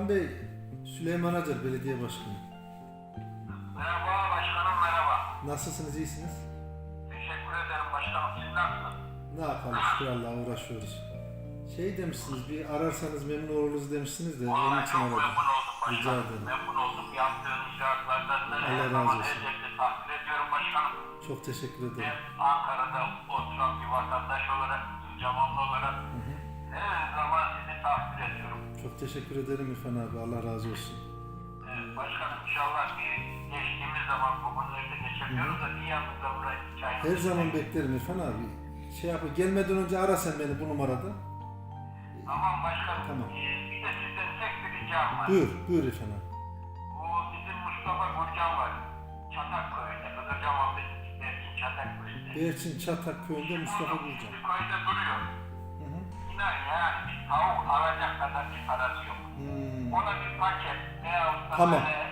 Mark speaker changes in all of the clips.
Speaker 1: Bey, Süleyman Acar, Belediye Başkanı.
Speaker 2: Merhaba başkanım, merhaba.
Speaker 1: Nasılsınız, iyisiniz?
Speaker 2: Teşekkür ederim başkanım, siz nasılsınız?
Speaker 1: Ne yapalım, şükür Allah'a uğraşıyoruz. Şey demişsiniz, bir ararsanız memnun oluruz demişsiniz de onun
Speaker 2: Vallahi
Speaker 1: için
Speaker 2: çok
Speaker 1: aradım.
Speaker 2: memnun oldum başkanım.
Speaker 1: Rica ederim.
Speaker 2: Memnun oldum. Yaptığın icraatlardan da
Speaker 1: Allah
Speaker 2: her
Speaker 1: razı
Speaker 2: zaman
Speaker 1: olsun.
Speaker 2: elbette takdir ediyorum başkanım.
Speaker 1: Çok teşekkür
Speaker 2: Ben
Speaker 1: ederim.
Speaker 2: Ankara'da oturan bir vatandaş olarak, Camamlı olarak her zaman sizi takdir ediyorum.
Speaker 1: Çok teşekkür ederim İrfan abi, Allah razı olsun.
Speaker 2: Başkanım inşallah bir geçtiğimiz zaman bugünlerde geçemiyoruz da bir yanımızda buraya çay.
Speaker 1: Her zaman beklerim İrfan abi. Şey yap, gelmeden önce ara sen beni bu numarada.
Speaker 2: Tamam başkanım.
Speaker 1: Tamam.
Speaker 2: Bir de sizden tek bir ricam var.
Speaker 1: Buyur İrfan abi.
Speaker 2: Bu bizim Mustafa Gürcan var. Çatakköy'de, Kızılcamam'da Berkin Çatakköy'de.
Speaker 1: Berçin Çatak köyünde Mustafa Gürcan.
Speaker 2: Bir köyde duruyor. İnan yani bir tavuk alacak kadar bir parası yok. Ona bir paket veyahut da
Speaker 1: Tamam.
Speaker 2: böyle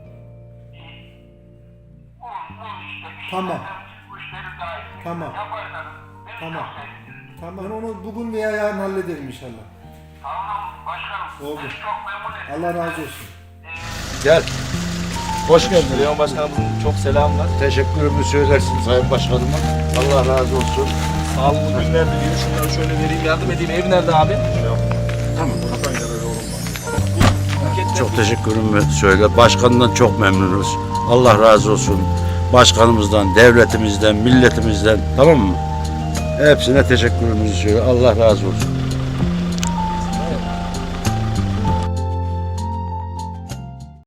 Speaker 2: un işte bir
Speaker 1: Tamam.
Speaker 2: şeyler, müşteri dahil.
Speaker 1: Tamam.
Speaker 2: Yaparsanız beni
Speaker 1: Tamam.
Speaker 2: çok sevinirim.
Speaker 1: Tamam, ben onu bugün veya yarın hallederim inşallah.
Speaker 2: Tamam başkanım.
Speaker 1: Oldu.
Speaker 2: Beni çok memnun ettim.
Speaker 1: Allah razı olsun.
Speaker 3: Gel. Hoş geldin. Süleyman Başkanımızın çok selamlar.
Speaker 4: Teşekkürümü söylersin Sayın Başkanıma. Allah razı olsun.
Speaker 3: Sağlıklı günler diliyorum. Şunları şöyle vereyim, yardım edeyim. Ev nerede abi?
Speaker 4: Tamam.
Speaker 3: Çok
Speaker 4: Çok teşekkürümü söyle. Başkanından çok memnunuz. Allah razı olsun. Başkanımızdan, devletimizden, milletimizden, tamam mı? Hepsine teşekkürümüzü söyle. Allah razı olsun.